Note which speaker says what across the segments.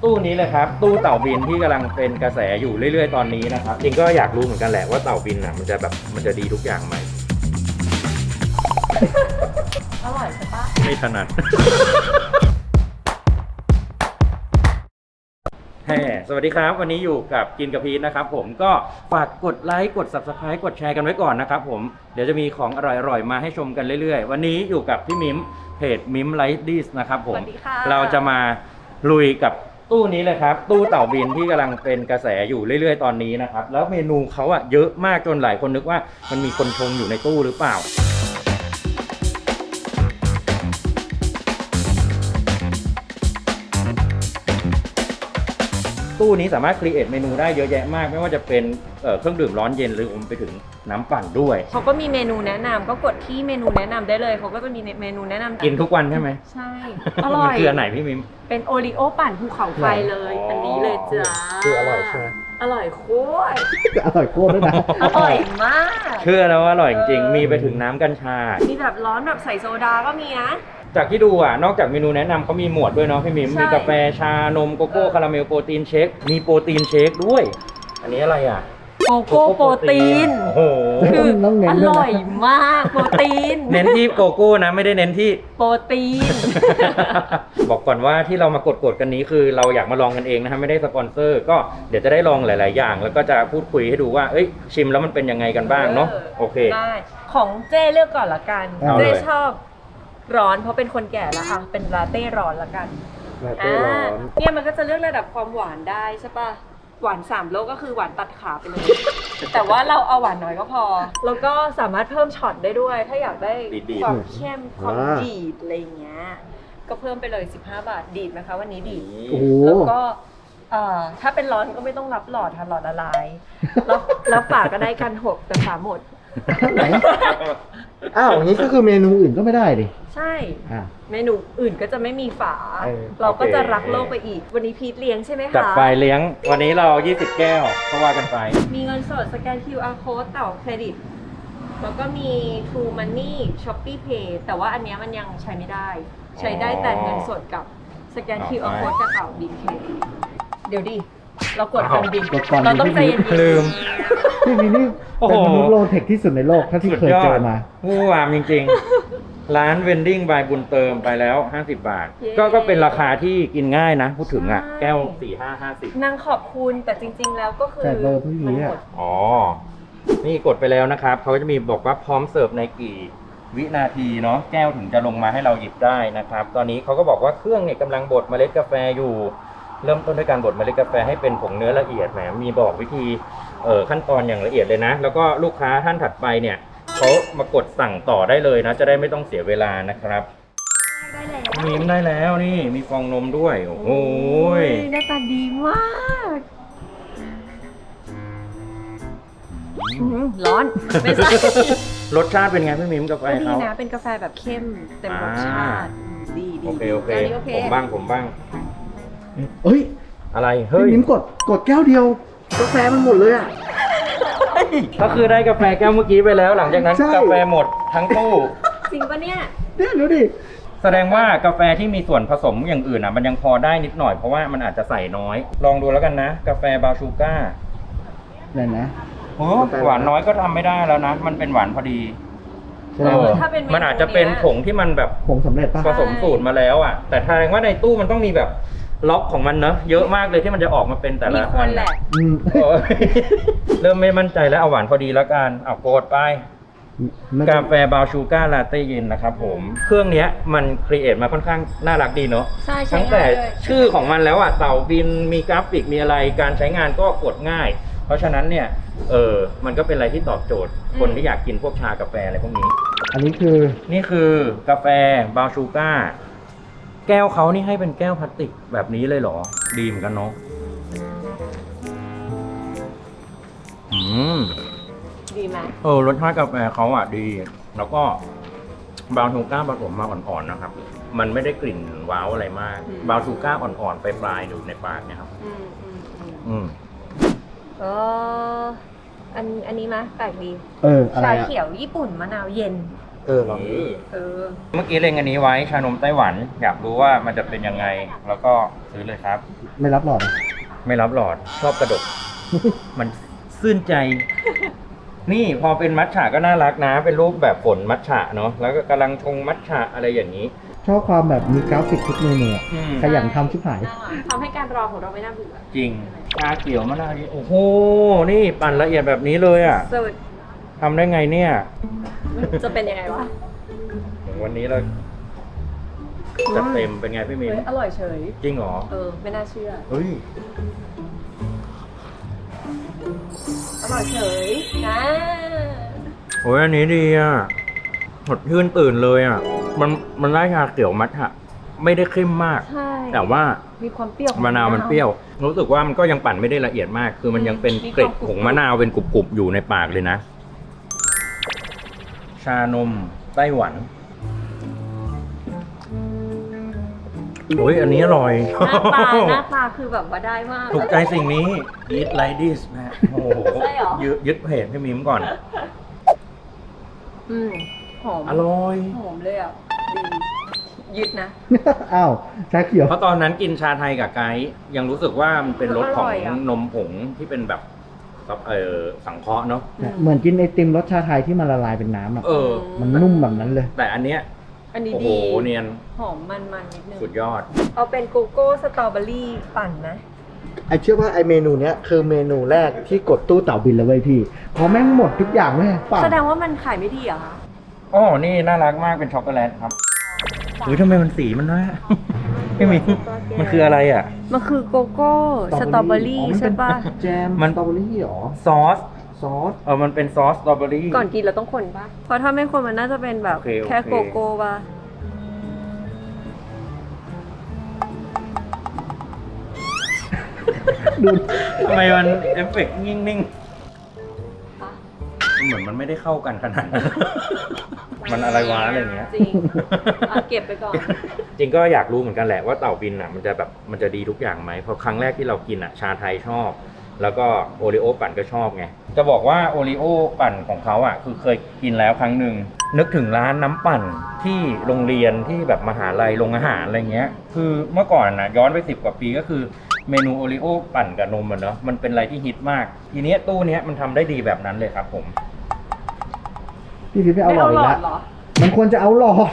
Speaker 1: ตู้นี้เลยครับตู้เต่าบินที่กำลังเป็นกระแสอยู่เรื่อยๆตอนนี้นะครับจริงก็อยากรู้เหมือนกันแหละว่าเต่าบินอ่ะมันจะดีทุกอย่างไหม
Speaker 2: อร่อยใช่ปะ
Speaker 1: ไม่ถนัด สวัสดีครับวันนี้อยู่กับกินกับพีทนะครับผมก็ฝากกดไลค์กด Subscribe กดแชร์กันไว้ก่อนนะครับผมเดี๋ยวจะมีของอร่อยๆมาให้ชมกันเรื่อยๆวันนี้อยู่กับพี่มิมเพจมิมไลฟ์ดิสนะครับผมเราจะมาลุยกับตู้นี้เลยครับตู้เต่าบินที่กำลังเป็นกระแสอยู่เรื่อยๆตอนนี้นะครับแล้วเมนูเขาอะเยอะมากจนหลายคนนึกว่ามันมีคนชงอยู่ในตู้หรือเปล่าตู้นี้สามารถครีเอทเมนูได้เยอะแยะมากไม่ว่าจะเป็นเครื่องดื่มร้อนเย็นหรือไปถึงน้ำปั่นด้วย
Speaker 2: เขาก็มีเมนูแนะนำก็กดที่เมนูแนะนำได้เลยเขาก็จะมีเมนูแนะนำ
Speaker 1: กินทุกวันใช่ไหม
Speaker 2: ใช่อร่อย
Speaker 1: มันคืออันไหนพี่มิม
Speaker 2: เป็นโอริโอปั่นภูเขาไฟเลยอันนี้เลยจ้า
Speaker 3: คืออร่อยใช่ไหม
Speaker 2: อร่อยโคตร
Speaker 3: อร่อยโคตรด้วยนะ
Speaker 2: อร่อยมาก
Speaker 1: เชื่อแล้วว่าอร่อยจริงๆมีไปถึงน้ำกัญชา
Speaker 2: มีแบบร้อนแบบใส่โซดาก็มีนะ
Speaker 1: จากที่ดูอ่ะนอกจากเมนูแนะนำเขามีหมวดด้วยเนาะพี่มิมมีกาแฟชานมโกโก้คาราเมลโปรตีนเชคมีโปรตีนเชคด้วยอันนี้อะไรอ่ะ
Speaker 2: โกโก้โปรตีน
Speaker 1: โอ้โห
Speaker 2: คืออร่อยมากโปรตีน
Speaker 1: เน้นที่โกโก้นะไม่ได้เน้นที่
Speaker 2: โปรตีน
Speaker 1: บอกก่อนว่าที่เรามากดกันนี้คือเราอยากมาลองกันเองนะฮะไม่ได้สปอนเซอร์ก็เดี๋ยวจะได้ลองหลายๆอย่างแล้วก็จะพูดคุยให้ดูว่าเอ้ยชิมแล้วมันเป็นยังไงกันบ้างเนาะโอเค
Speaker 2: ได้ของเจ้เลือกก่อนละกันเจ้ชอบร้อนเพราะเป็นคนแก่แล้วอ่ะเป็นลาเต้ร้อนละกัน
Speaker 3: ลาเต้ร้อน
Speaker 2: เนี่ยมันก็จะเลือกระดับความหวานได้ใช่ป่ะหวาน3โลก็คือหวานตัดขาไปเลย แต่ว่าเราเอาหวานน้อยก็พอแล้วก็สามารถเพิ่มช็อตได้ด้วยถ้าอยากได้ความเข้มความดีดอะไรเงี้ยก็เพิ่มไปเลย15 บาทดีดไหมคะวันนี้ดีดแล้วก็ถ้าเป็นร้อนก็ไม่ต้องรับหลอดค่ะหลอดละลายรับฝาก็ได้กัน6แต่ฝาหมด
Speaker 3: อ้าวอย่างนี้ก็คือเมนูอื่นก็ไม่ได้ดิ
Speaker 2: ใช่เมนูอื่นก็จะไม่มีฝาเราก็จะรักโลกไปอีกวันนี้พีทเลี้ยงใช่ไหมคะ
Speaker 1: จัดไปเลี้ยงวันนี้เรา20แก้วก็ว่ากันไป
Speaker 2: มีเงินสดสแกน QR code เต่าเครดิตแล้วก็มี True Money Shopee Pay แต่ว่าอันนี้มันยังใช้ไม่ได้ใช้ได้แต่เงินสดกับสแกน QR code กับเต่าบินเคเดี๋ยวดิเรากดกันบินเราต้องใจเย็น
Speaker 1: ลืม
Speaker 3: พี่มินี่เป็นมนุษย์โลเทคที่สุดในโลกถ้าที่เคยเจอมา
Speaker 1: ผู้วามจริงๆร้านเวนดิ้งบายบุญเติมไปแล้ว50 บาทก็เป็นราคาที่กินง่ายนะพูดถึงอ่ะแก้ว4-5-50
Speaker 2: นางขอบคุณแต่จริงๆแล้วก็คือ
Speaker 3: มันหมด
Speaker 1: อ๋อนี่กดไปแล้วนะครับเขาจะมีบอกว่าพร้อมเสิร์ฟในกี่วินาทีเนาะแก้วถึงจะลงมาให้เราหยิบได้นะครับตอนนี้เขาก็บอกว่าเครื่องเนี่ยกำลังบดเมล็ดกาแฟอยู่เริ่มต้นด้วยการบดเมล็ดกาแฟให้เป็นผงเนื้อละเอียดแหมมีบอกวิธีขั้นตอนอย่างละเอียดเลยนะแล้วก็ลูกค้าท่านถัดไปเนี่ยเขามากดสั่งต่อได้เลยนะจะได้ไม่ต้องเสียเวลานะครับ
Speaker 2: ได้แล้ว
Speaker 1: มีมได้แล้วนี่มีฟองนมด้วยโอ้โห
Speaker 2: หน้าตาดีมากร้อนไม่ใช่
Speaker 1: รสชาติเป็นไงพี่มิมกาแฟเขา
Speaker 2: ดีนะเป็นกาแฟแบบเข้มเต็มรสชาติดี
Speaker 1: โอเคผมบ้าง
Speaker 3: เฮ้ย
Speaker 1: อะไรเฮ้ย
Speaker 3: พี่มิมกดแก้วเดียวกาแฟมันหมดเลยอ่ะ
Speaker 1: ก็คือได้กาแฟแก้วเมื่อกี้ไปแล้วหลังจากนั้นกาแฟหมดทั้งตู้
Speaker 2: จริงปะเนี่ย
Speaker 3: ดูดิ
Speaker 1: แสดงว่ากาแฟที่มีส่วนผสมอย่างอื่นอ่ะมันยังพอได้นิดหน่อยเพราะว่ามันอาจจะใส่น้อยลองดูแล้วกันนะกาแฟบราวน์ชูก้า
Speaker 3: นั่นนะ
Speaker 1: โอ้หวานน้อยก็ทำไม่ได้แล้วนะมันเป็นหวานพอดี
Speaker 2: ถ้าเป็น
Speaker 1: มันอาจจะเป็นผงที่มันแบบ
Speaker 3: ผงสำเร็จป่ะ
Speaker 1: ผสมสูตรมาแล้วอ่ะแต่แสดงว่าในตู้มันต้องมีแบบล็อกของมันเนอะเยอะมากเลยที่มันจะออกมาเป็นแต่ละ
Speaker 2: มีคนแหละ
Speaker 1: เริ่มไม่มั่นใจแล้วเอาหวานพอดีแล้วกันเอาโกดไปกาแฟบราวน์ชูก้าลาเต้เย็นนะครับผมเครื่องนี้มันครีเอทมาค่อนข้างน่ารักดีเนาะตั้งแต่ชื่อของมันแล้วอ่ะเต่าบินมีกราฟิกมีอะไรการใช้งานก็กดง่ายเพราะฉะนั้นเนี่ยมันก็เป็นอะไรที่ตอบโจทย์คนที่อยากกินพวกชากาแฟอะไรพวกนี้
Speaker 3: อันนี้
Speaker 1: นี่คือกาแฟบราวน์ชูก้าแก้วเขานี่ให้เป็นแก้วพลาสติกแบบนี้เลยเหรอดีเหมือนกันเนาะ
Speaker 2: ดีไหม
Speaker 1: รสชาติกาแฟเขาอ่ะดีแล้วก็บราวน์ชูก้าผสมมาอ่อนๆนะครับมันไม่ได้กลิ่นว้าวอะไรมากบราวน์ชูก้าอ่อนๆไปปลายอยู่ในปากเนี่ยครับ
Speaker 2: อันนี้มั้ยแปลกดี
Speaker 3: อะไร
Speaker 2: ชาเขียวญี่ปุ่นมะนาวเย็น
Speaker 3: ลองดู
Speaker 2: เออ
Speaker 1: เมื่อกี้เล็งอันนี้ไว้ชานมไต้หวัน อยากรู้ว่ามันจะเป็นยังไง แล้วก็ซื้อเลยครับ
Speaker 3: ไม่รับหลอดอะ
Speaker 1: ไม่รับหลอดชอบกระดก มันซื่นใจ นี่พอเป็นมัทฉะก็น่ารักนะ เป็นรูปแบบฝนมัทฉะเนาะแล้วก็กำลังชงมัทฉะอะไรอย่างนี้
Speaker 3: ชอบความแบบมีกราฟิกทุกเมนูอะ
Speaker 1: อืม
Speaker 3: ขยันทำชิบหาย
Speaker 2: ทำให้การรอของเราไม่น่าเบื่อ
Speaker 1: จริงชาเขียวมะนาวนี่โอ้โห นี่ปั่นละเอียดแบบนี้เลยอ่ะ
Speaker 2: สุด
Speaker 1: ทำได้ไงเนี่ย
Speaker 2: จะเป็นยังไงวะ
Speaker 1: วันนี้เราจัดเต็มเป็นไงพี่มิน
Speaker 2: เฮ้ยอร่อยเฉย
Speaker 1: จริงเหรอ
Speaker 2: ไม่น่าเชื่อ
Speaker 1: เฮ้ย
Speaker 2: อร่อยเฉยนะ
Speaker 1: โอ้ยอันนี้ดีอ่ะสดชื่นตื่นเลยอ่ะ มันได้ชาเขียวมัทฉะไม่ได้เข้มมาก
Speaker 2: ใช่
Speaker 1: แต่ว่า
Speaker 2: มีความเปรี้ยวของ
Speaker 1: มะนาวมันเปรี้ยว รู้สึกว่ามันก็ยังปั่นไม่ได้ละเอียดมาก คือมันยังเป็นเกล็ดของมะนาวเป็นกรุบๆอยู่ในปากเลยนะ ชานมไต้หวันโอ้ยอันนี้อร่อย
Speaker 2: หน้าตาคือแบบว่าได้มาก
Speaker 1: ถูกใจสิ่งนี้ Eat like this นะโอ้โห
Speaker 2: ใช่เหรอ
Speaker 1: ยึดเพจให้มิมก่อน
Speaker 2: หอม
Speaker 1: อร่อย
Speaker 2: หอมเลยอ่ะ ดี ยึดนะ
Speaker 3: อ้าวชาเขียว
Speaker 1: เพราะตอนนั้นกินชาไทยกับไกด์ยังรู้สึกว่ามันเป็นรสของ
Speaker 2: อร่อยอะ
Speaker 1: นมผงที่เป็นแบบสังเคราะห์เนาะ
Speaker 3: เหมือนกินไอติมรสชาไทยที่มันละลายเป็นน้ำอ่ะ
Speaker 1: เออ
Speaker 3: มันนุ่มแบบนั้นเลย
Speaker 1: แต่อันเนี้ย
Speaker 2: อันนี้
Speaker 1: โอ้โห
Speaker 2: ดี
Speaker 1: เนียน
Speaker 2: หอมมันนิดนึง
Speaker 1: สุดยอด
Speaker 2: เอาเป็นโกโก้สตรอเบอรี่ปั่นนะ
Speaker 3: ไอเชื่อว่าไอเมนูเนี้ยคือเมนูแรกที่กดตู้เต่าบินเลยเว้ยพี่เพราะแม่งหมดทุกอย่างเลยป่ะ
Speaker 2: แสดงว่ามันขายไม่ดีเหรอคะ
Speaker 1: อ๋อ นี่น่ารักมากเป็นช็อกโกแลตครับเฮ้ยทำไมมันสีมันน้อย ไม่มีมันคืออะไรอ่ะ
Speaker 2: มันคือโกโก้สตรอเบอรี่ใช่ปะ
Speaker 3: แจม
Speaker 1: มัน
Speaker 3: สตรอเบอรี่หรอ
Speaker 1: ซอส
Speaker 3: ซอส
Speaker 1: มันเป็นซอสสตรอเบอรี่
Speaker 2: ก่อนกินเราต้องคนปะเพราะถ้าไม่คนมันน่าจะเป็นแบบ
Speaker 1: โอเค
Speaker 2: แค่โกโก้ปะ
Speaker 3: ดู
Speaker 1: ทำไมมันเอฟเฟกต์นิ่งๆเหมือนมันไม่ได้เข้ากันขนาดนั้น มันอะไรวะอะไรอย่างเงี้ย
Speaker 2: จริงเอาเก็บไปก่อน
Speaker 1: จริงก็อยากรู้เหมือนกันแหละว่าเต่าบินอ่ะมันจะดีทุกอย่างไหมเพราะครั้งแรกที่เรากินอ่ะชาไทยชอบ แล้วก็โอริโอปั่นก็ชอบไงจะบอกว่าโอริโอปั่นของเขาอ่ะคือเคยกินแล้วครั้งหนึ่งนึกถึงร้านน้ำปั่นที่โรงเรียนที่แบบมหาลัยโรงอาหารอะไรเงี้ยคือเมื่อก่อนนะย้อนไป10 กว่าปีก็คือเมนูโอริโอปั่นกับนมอ่ะเนาะมันเป็นอะไรที่ฮิตมากทีเนี้ยตู้เนี้ยมันทำได้ดีแบบนั้นเลยครับผม
Speaker 3: พี่พีชไม่เอาหลอดอีกแล้ว
Speaker 2: เหรอ
Speaker 3: มันควรจะเอาหลอด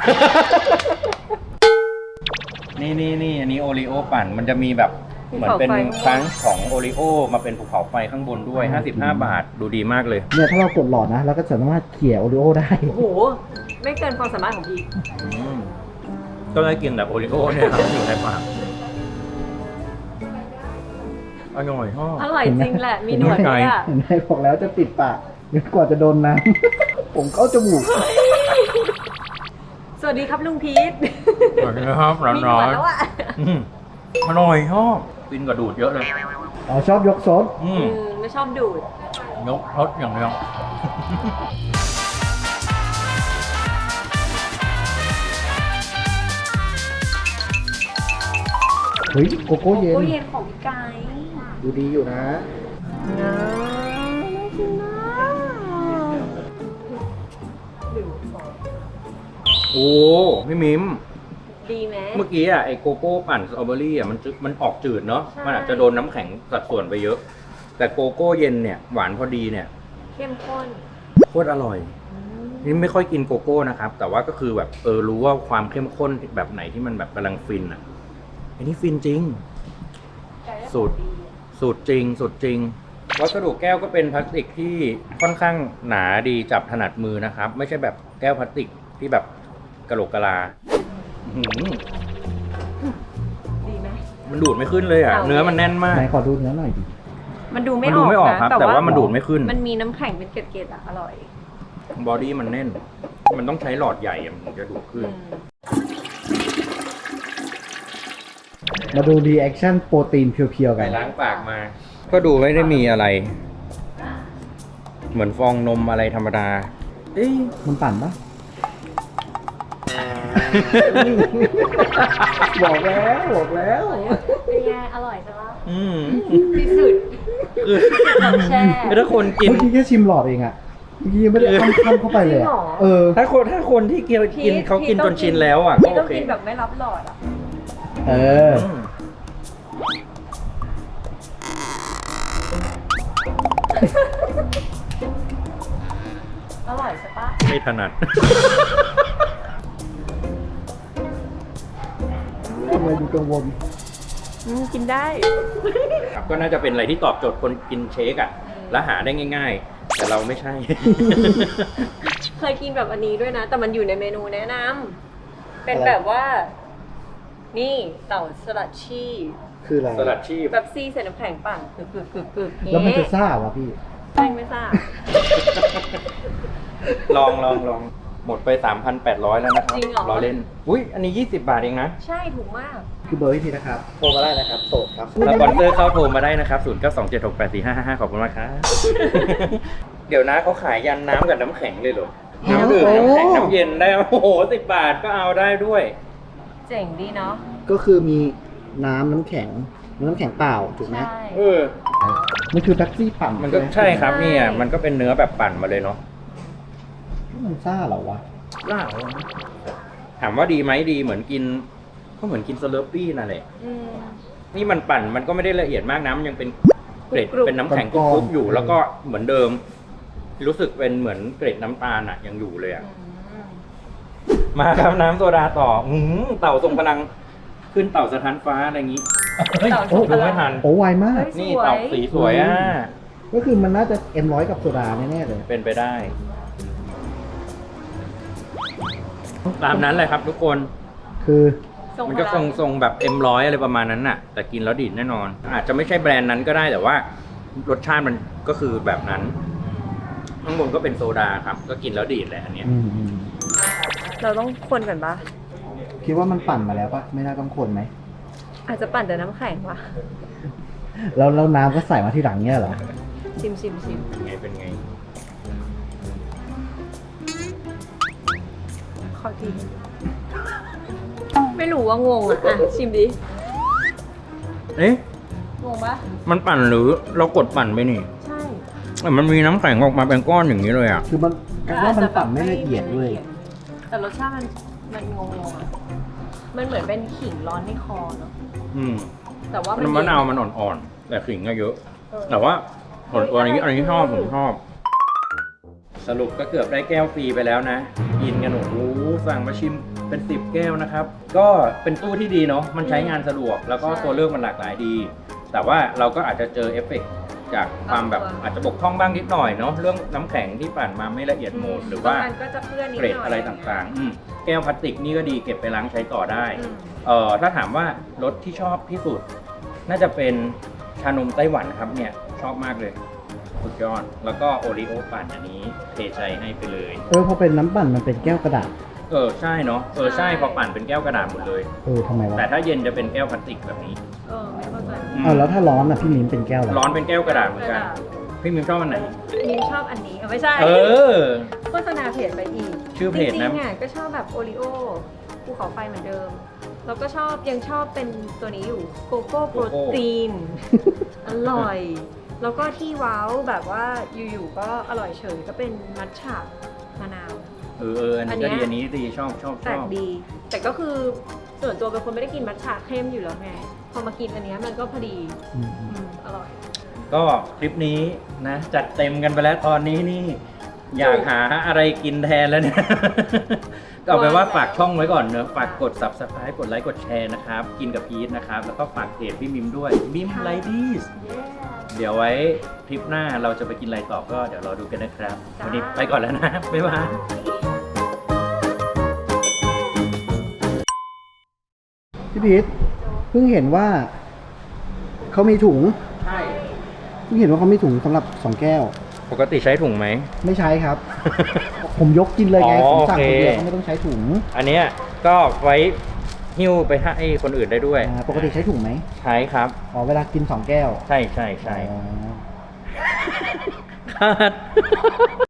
Speaker 1: นี่อันนี้โอริโอปั่นมันจะมีแบบเหมือนเป็นครั้งของโอริโอมาเป็นภูเขาไฟข้างบนด้วย 55 บาทดูดีมากเลย
Speaker 3: เนี่ยถ้าเรากดหลอดนะเราก็สามารถเขี่ยโอริโอได้
Speaker 2: โอ้โห ไม่เกินความสามารถของพี่
Speaker 1: ก็ได้กินแบบโอริโอเนี่ยครับอยู่ในปากอร่อยชอบ
Speaker 2: อร่อยจริงแหละ มีหนวดด้วยอ่ะ
Speaker 3: เห็นไหมบอกแล้วจะติดปากจนกว่าจะโดนน้ำ ผมเข้าจมูก
Speaker 2: สวัสดีครับลุงพีท
Speaker 1: สวัสดีครับร้
Speaker 2: มีหน
Speaker 1: อ
Speaker 2: วด
Speaker 1: น
Speaker 2: แล้วอ่ะ
Speaker 1: อร่อยชอบกินกับดูดเยอะเลย
Speaker 3: อ๋อชอบยกซด
Speaker 2: ไม่ชอบดูด
Speaker 1: ยกรสอย่างเดียว
Speaker 3: เฮ้ยโกโก้เย็น
Speaker 2: โกโก้เย็นของพี่ไก่
Speaker 3: ดูดีอยู่นะ
Speaker 2: น่ากินนะ
Speaker 1: โอ้พี่มิม
Speaker 2: ดีไหม
Speaker 1: เมื่อกี้อ่ะไอโกโก้ปั่นสตรอเบอรี่อ่ะมันออกจืดเนาะ
Speaker 2: ใช่
Speaker 1: มันอาจจะโดนน้ำแข็งสัดส่วนไปเยอะ แต่โกโก้เย็นเนี่ยหวานพอดีเนี่ย
Speaker 2: เข้มข้น
Speaker 1: โคตรอร่อยนี่ไม่ค่อยกินโกโก้นะครับ แต่ว่าก็คือแบบรู้ว่าความเข้มข้นแบบไหนที่มันแบบกำลังฟินอ่ะอันนี้ฟินจริง สูตรจริงวัสดุแก้วก็เป็นพลาสติกที่ค่อนข้างหนาดีจับถนัดมือนะครับ ไม่ใช่แบบแก้วพลาสติกที่แบบกะโหลกกะลาอื้อหือ
Speaker 2: ดีไหม
Speaker 1: มันดูดไม่ขึ้นเลยอ่ะ
Speaker 2: เอา
Speaker 1: เนื้อมันแน่นมาก
Speaker 3: ไหนขอดูเนื้อหน่อยดิ
Speaker 2: มันดูไม่
Speaker 1: มัน
Speaker 2: อ
Speaker 1: ดู
Speaker 2: อก
Speaker 1: ไม่ออก
Speaker 2: นะครับ
Speaker 1: แต่ว่ามันดูดไม่ขึ้น
Speaker 2: มันมีน้ำแข็งเป็นเกล็ดๆอ่ะ อร่อย
Speaker 1: บอดี้มันแน่น มันต้องใช้หลอดใหญ่อะมันถึงจะดูดขึ้น
Speaker 3: มาดูรีแอคชั่นโปรตีนเพียวๆ
Speaker 1: ไป
Speaker 3: กัน
Speaker 1: ล้างปากมา ก็ดูไม่ได้มีอะไร เหมือนฟองนมอะไรธรรมดา เอ๊ะ
Speaker 3: มันปั่นปะ บอกแล้ว
Speaker 2: เป็นไงอร่อยใช่ปะ
Speaker 1: อืม
Speaker 2: ที่สุด
Speaker 1: คือ
Speaker 2: แช่
Speaker 1: ถ้าคนกิน
Speaker 3: เมื่อกี้แค่ชิมหลอดเองอะเมื่อกี้ยังไม่ได้ข้ามเข้าไปเลยอะเออ
Speaker 1: ถ้าคนที่กินเขากินจนชินแล้วอ่ะก็
Speaker 2: พี่
Speaker 1: โอ
Speaker 2: ต้อง
Speaker 1: เค
Speaker 2: กินแบบไม่รับหลอดอ่ะ
Speaker 3: เออ
Speaker 1: อืม
Speaker 2: อร่อยใช่ปะ
Speaker 1: ไม่ถนัด
Speaker 3: ทำไมดูกังวล
Speaker 2: กินได้
Speaker 1: ครับก็น่าจะเป็นอะไรที่ตอบโจทย์คนกินเชคอ่ะ และหาได้ง่าย ๆ แต่เราไม่ใช่
Speaker 2: เคยกินแบบอันนี้ด้วยนะ แต่มันอยู่ในเมนูแนะนำเป็นแบบว่า นี่เต่าสลัดชีส
Speaker 3: คืออะไร
Speaker 1: สลัดชีพ
Speaker 2: แบบซีใส่น้ำแข็งปั่นกึก
Speaker 3: แล้วมันจะซ่าวะพี่
Speaker 2: ไม่ทราบ
Speaker 1: ลองหมดไป 3,800 แล้วนะครับ
Speaker 2: จริงเหรอ
Speaker 1: รอเล่น อุ้ยอันนี้ 20 บาทเองนะ
Speaker 2: ใช่ถูกมาก
Speaker 3: คือเบอร์พี่พีนะครับ โทรมาได้นะครับ โสดครับ
Speaker 1: สปอนเซอร์เข้าโทรมาได้นะครับ 0927684555 ขอบคุณมากครับ เดี๋ยวนะเขาขายยันน้ำกับน้ำแข็งเลยเหรอ น้ำดื่มน้ำแข็งน้ำเย็นได้ โอ้โห 10 บาทก็เอาได้ด้วย
Speaker 2: เจ๋งดีเนาะ
Speaker 3: ก็คือมีน้ำแข็งเปล่าถูกไหม
Speaker 2: ใช่
Speaker 1: เออ
Speaker 3: มันคือแท็กซี่ปั่น
Speaker 1: มันก็ใช่ครับเนี่ย มันก็เป็นเนื้อแบบปั่นมาเลยเนาะ
Speaker 3: มันซ่าเหรอวะ
Speaker 1: ล่าถามว่าดีไหมดีเหมือนกินก็เหมือนกินสเลอร์ปี้นั่นแหละ
Speaker 2: อืม
Speaker 1: นี่มันปั่นมันก็ไม่ได้ละเอียดมากนะมันยังเป็นเกล็ด
Speaker 2: กรุบๆ
Speaker 1: เป็นน้ำแข็งกรุบๆอยู่ แล้วก็เหมือนเดิม รู้สึกเป็นเหมือนเกล็ดน้ำตาลอ่ะยังอยู่เลยอ่ะ
Speaker 2: อืม
Speaker 1: มาครับน้ำโซดาต่อเต่าทรงพลังขึ้นเต่าสถานฟ้าอะไรอย่างนี้เฮ้ย
Speaker 2: เต่าท
Speaker 1: โอ้
Speaker 2: รงพลัง
Speaker 1: ดูไม่ทัน
Speaker 3: โอ้ไวมาก
Speaker 2: เฮ้ย
Speaker 1: นี่
Speaker 2: สวย
Speaker 1: เต่าสีสวยอ่ะ
Speaker 3: ก็คือมันน่าจะM100กับโซดาแน่ๆเลย
Speaker 1: เป็นไปได้ ตามนั้นเลยครับทุกคน
Speaker 3: คือ
Speaker 2: ทรง
Speaker 1: มัน
Speaker 2: พ
Speaker 1: ก็
Speaker 2: ลั
Speaker 1: ทรงแบบ M100 อะไรประมาณนั้นน่ะ แต่กินแล้วดีดแน่นอน อาจจะไม่ใช่แบรนด์นั้นก็ได้แต่ว่ารสชาติมันก็คือแบบนั้น ข้างบนก็เป็นโซดาครับ ก็กินแล้วดีดแหละอันเนี้ย
Speaker 2: เราต้องคนก่อนปะ
Speaker 3: คิดว่ามันปั่นมาแล้วปะไม่น่าต้องคนไหม
Speaker 2: อาจจะปั่นแต่น้ำแข็งวะ
Speaker 3: แล้วน้ำก็ใส่มาที่หลังเนี่ยเหรอ
Speaker 2: ชิม
Speaker 1: เป็นไง
Speaker 2: ขอทีไม่รู้ว่างงอ่ะชิมดิ
Speaker 1: เอ๊ะ
Speaker 2: งงปะ
Speaker 1: มันปั่นหรือเรากดปั่นไปนี่
Speaker 2: ใช่
Speaker 1: แต่มันมีน้ำแข็งออกมาเป็นก้อนอย่างนี้เลยอ่ะ
Speaker 3: คือมันว่ามันปั่นไม่ละเอียดด้วย
Speaker 2: แต่รสชาติมันงงๆอ่ะ มันเหมือนเป็นขิงร้อนในคอเนาะ
Speaker 1: อืม
Speaker 2: แต่ว่ามัน
Speaker 1: น้ำมะนาวมันอ่อนๆ แต่ขิงก็เยอะ
Speaker 2: เออ
Speaker 1: แต่ว่าอันนี้ชอบผมชอบ สรุปก็เกือบได้แก้วฟรีไปแล้วนะ กินกันโอ้โหสั่งมาชิมเป็น10แก้วนะครับ ก็เป็นตู้ที่ดีเนาะ มันใช้งานสะดวก แล้วก็ตัวเลือกมันหลากหลายดี แต่ว่าเราก็อาจจะเจอเอฟเฟกต์จากความแบบอาจจะบกพร่องบ้างนิดหน่อยเนาะ เรื่องน้ำแข็งที่ปั่นมาไม่ละเอียดหมดหรือว่า
Speaker 2: บงนก็จะเปื้อนนิด
Speaker 1: เกรด
Speaker 2: หน่อย
Speaker 1: อะไรต่างๆแก้วพลาสติกนี่ก็ดีเก็บไปล้างใช้ต่อได้
Speaker 2: อืม
Speaker 1: ถ้าถามว่ารสที่ชอบที่สุด น่าจะเป็นชานมไต้หวันครับเนี่ย ชอบมากเลย สุดยอด แล้วก็โอริโอปั่นอันนี้เทใจให้ไปเลย
Speaker 3: พอเป็นน้ำปั่นมันเป็นแก้วกระดาษ
Speaker 1: ใช่เนาะใช่พอปั่นเป็นแก้วกระดาษหมดเลย
Speaker 3: ทำไมวะ
Speaker 1: แต่ถ้าเย็นจะเป็นแก้วพลาสติกแบบนี้
Speaker 2: ไม่เข้าใจ
Speaker 3: แล้วถ้าร้อนอ่ะพี่มิ้นเป็นแก้วอะไร
Speaker 1: ร้อนเป็นแก้วกระดาษเหมือนกัน พี่มิมชอบอันไหน
Speaker 2: มิมชอบอันนี้ไม่ใช่
Speaker 1: อ
Speaker 2: โฆษณาเพจไปอีก
Speaker 1: ชื่อเพจนะ
Speaker 2: จริงๆอ่ะก็ชอบแบบโอริโอภูเขาไฟเหมือนเดิม แล้วก็ยังชอบเป็นตัวนี้อยู่โกโก้โปรตีน อร่อย แล้วก็ที่ว้าวแบบว่าอยู่ๆก็อร่อยเฉยก็เป็นมัทฉะมะนาว
Speaker 1: อันนี้ก็ดีอันนี้ดีชอบ
Speaker 2: แปลกดี แต่ก็คือส่วนตัวเป็นคนไม่ได้กินมัทฉะเข้มอยู่แล้วไง พอมากินอันเนี้ยมันก็พอดีอร่อย
Speaker 1: ก็คลิปนี้นะ จัดเต็มกันไปแล้วตอนนี้นี่ อยากหาอะไรกินแทนแล้วเนี่ย ก็เอาไปนว่าฝากช่องไว้ก่อนเนอะฝากกด subscribe กดไลค์กดแชร์นะครับ กินกับพีทนะครับ แล้วก็ฝากเพจพี่มิมด้วยมิมไลดี้ เดี๋ยวไว้ทริปหน้าเราจะไปกินอะไรต่อก็เดี๋ยวรอดูกันนะครับ วันนี้ไปก่อนแล้วนะ บ๊ายบาย
Speaker 3: พี่พีทเพิ่งเห็นว่าเขามีถุง
Speaker 1: ใช่
Speaker 3: เพิ่งเห็นว่าเขามีถุงสำหรับ2แก้ว
Speaker 1: ปกติใช้ถุงไหม
Speaker 3: ไม่ใช้ครับ ผมยกกินเลยไง
Speaker 1: อ๋อ
Speaker 3: ผมสั่ง
Speaker 1: โอ
Speaker 3: คน
Speaker 1: เค
Speaker 3: เดียวก็ไม่ต้องใช้ถุง
Speaker 1: อันเนี้ยก็ไว้หิ้วไปให้คนอื่นได้ด้วย
Speaker 3: ปกติใช้ถุงไหม
Speaker 1: ใช้ครับ
Speaker 3: เวลากิน2แก้ว
Speaker 1: ใช่
Speaker 3: อ๋อ
Speaker 1: คาด